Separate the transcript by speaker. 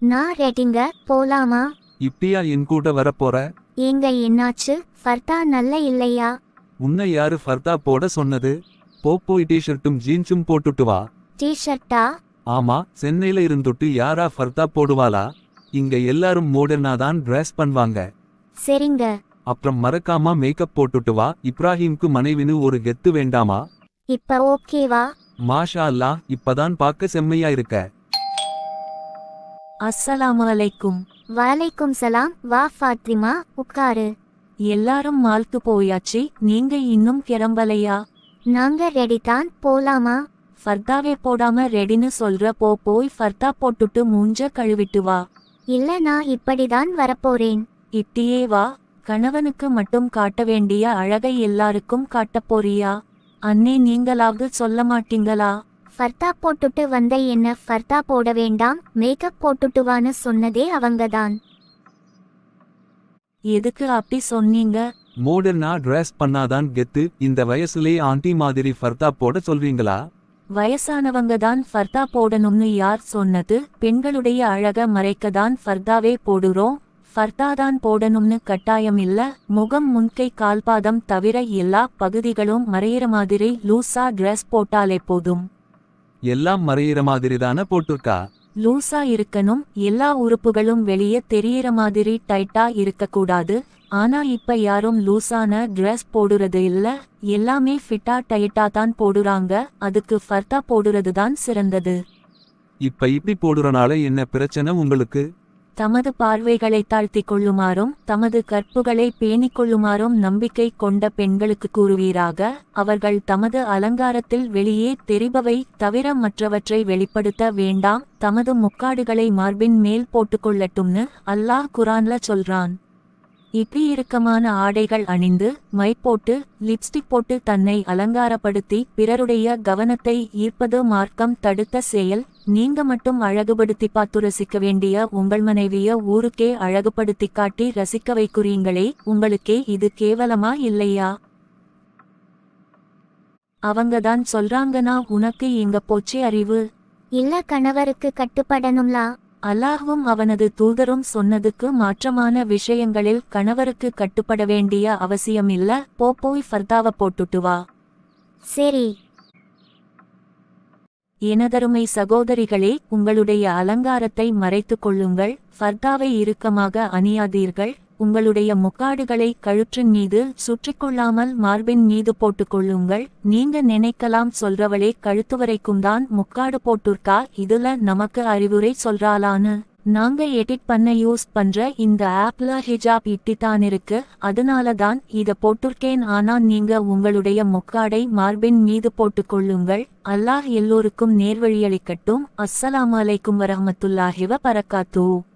Speaker 1: நான் ரெடிங்க, போலாமா?
Speaker 2: இப்படியா என் கூட வரப்போற?
Speaker 1: ஏங்க என்னாச்சு? ஃபர்தா நல்ல இல்லையா?
Speaker 2: உன்னை யாரு ஃபர்தா போட சொன்னது? போய் டிஷர்ட்டும் ஜீன்ஸும் போட்டுட்டு வா.
Speaker 1: டி-ஷர்ட்டா?
Speaker 2: ஆமா, சென்னையில இருந்துட்டு யாரா ஃபர்தா போடுவாளா? இங்க எல்லாரும் மாடர்னா தான் ட்ரெஸ் பண்ணுவாங்க.
Speaker 1: சரிங்க.
Speaker 2: அப்புறம் மறக்காம மேக்கப் போட்டுட்டு வா. இப்ராஹிம்க்கு மனைவின்னு ஒரு கெத்து வேண்டாமா?
Speaker 1: இப்ப ஓகேவா?
Speaker 2: மாஷா அல்லாஹ், இப்பதான் பார்க்க செம்மையா இருக்க.
Speaker 3: அஸ்ஸலாமு அலைக்கும்.
Speaker 1: வலைக்கும் சலாம். வா ஃபாத்திமா, உட்காரு.
Speaker 3: எல்லாரும் மால்க்கு போயாச்சு, நீங்க இன்னும் கிளம்பலையா?
Speaker 1: நாங்க ரெடி தான், போலாமா?
Speaker 3: ஃபர்தாவே போடாம ரெடின்னு சொல்ற, போய் ஃபர்தா போட்டுட்டு மூஞ்ச கழுவிட்டு வா.
Speaker 1: இல்ல, நான் இப்படிதான் வரப்போறேன்.
Speaker 3: இப்படியே வா. கணவனுக்கு மட்டும் காட்ட வேண்டிய அழகை எல்லாருக்கும் காட்டப் போறியா? அண்ணே, நீங்களாவது சொல்ல மாட்டீங்களா?
Speaker 1: ஃபர்தா போட்டுட்டு வந்த என்ன ஃபர்தா போட வேண்டாம், மேக்கப் போட்டுட்டுவான்னு சொன்னதே அவங்கதான்.
Speaker 3: எதுக்கு அப்படி சொன்னீங்க?
Speaker 2: மாடர்னா ட்ரெஸ் பண்ணாதான் கெத்து. இந்த வயசுலே ஆண்டி மாதிரி ஃபர்தா போட சொல்வீங்களா?
Speaker 3: வயசானவங்க தான் ஃபர்தா போடணும்னு யார் சொன்னது? பெண்களுடைய அழக மறைக்கதான் ஃபர்தாவே போடுறோம். ஃபர்தாதான் போடணும்னு கட்டாயம் இல்ல. முகம், முன்கை, கால்பாதம் தவிர எல்லா பகுதிகளும் மறையிற மாதிரி லூசா ட்ரெஸ் போட்டாலே போதும்.
Speaker 2: எல்லாம் மறையிற மாதிரி தானே போட்டிருக்கா?
Speaker 3: லூசா இருக்கணும். எல்லா உறுப்புகளும் வெளியே தெரியிற மாதிரி டைட்டா இருக்கக்கூடாது. ஆனா இப்ப யாரும் லூசான ட்ரெஸ் போடுறது இல்ல. எல்லாமே ஃபிட்டா டைட்டா தான் போடுறாங்க. அதுக்கு ஃபர்தா போடுறது தான் சிறந்தது.
Speaker 2: இப்ப இப்படி போடுறனால என்ன பிரச்சனை உங்களுக்கு?
Speaker 3: தமது பார்வைகளை தாழ்த்திக் கொள்ளுமாறும் தமது கற்புகளை பேணிக் கொள்ளுமாறும் நம்பிக்கை கொண்ட பெண்களுக்கு கூறுவீராக. அவர்கள் தமது அலங்காரத்தில் வெளியே தெரிபவை தவிர மற்றவற்றை வெளிப்படுத்த வேண்டாம். தமது முக்காடுகளை மார்பின் மேல் போட்டுக்கொள்ளட்டும்னு அல்லாஹ் குரான்ல சொல்றான். இப்படி இறுக்கமான ஆடைகள் அணிந்து மை போட்டு லிப்ஸ்டிக் போட்டு தன்னை அலங்காரப்படுத்தி பிறருடைய கவனத்தை ஈர்ப்பது மார்க்கம் தடுத்த செயல். நீங்க மட்டும் அழகுபடுத்தி பார்த்து ரசிக்க வேண்டிய உங்கள் மனைவிய ஊருக்கே அழகுபடுத்தி காட்டி ரசிக்க வைக்கிறீங்களே, உங்களுக்கே இது கேவலமா இல்லையா? அவங்கதான் சொல்றாங்கன்னா உனக்கு எங்க போச்சு அறிவு?
Speaker 1: இல்ல, கணவருக்கு கட்டுப்படணும்லா.
Speaker 3: அல்லாஹ்வும் அவனது தூதரும் சொன்னதுக்கு மாற்றமான விஷயங்களில் கணவருக்கு கட்டுப்பட வேண்டிய அவசியம் இல்ல. போய் ஃபர்தாவ போட்டுட்டு வா.
Speaker 1: சரி.
Speaker 3: எனதருமை சகோதரிகளே, உங்களுடைய அலங்காரத்தை மறைத்து கொள்ளுங்கள். ஃபர்தாவை இறுக்கமாக அணியாதீர்கள். உங்களுடைய முக்காடுகளை கழுற்றின் மீது சுற்றிக்கொள்ளாமல் மார்பின் மீது போட்டுக்கொள்ளுங்கள். நீங்க நினைக்கலாம், சொல்றவளே கழுத்து வரைக்கும் தான் முக்காடு போட்டுருக்கா, இதுல நமக்கு அறிவுரை சொல்றாளான்னு. நாங்க எடிட் பண்ண யூஸ் பண்ற இந்த ஆப்ல ஹிஜாப் இட்டித்தான் இருக்கு, அதனால தான் இத போட்டுருக்கேன். ஆனா நீங்க உங்களுடைய முக்காடை மார்பின் மீது போட்டுக்கொள்ளுங்கள். அல்லாஹ் எல்லோருக்கும் நேர்வழியளிக்கட்டும். அஸ்ஸலாமு அலைக்கும் வரஹ்மத்துல்லாஹி வ பரக்காத்துஹு.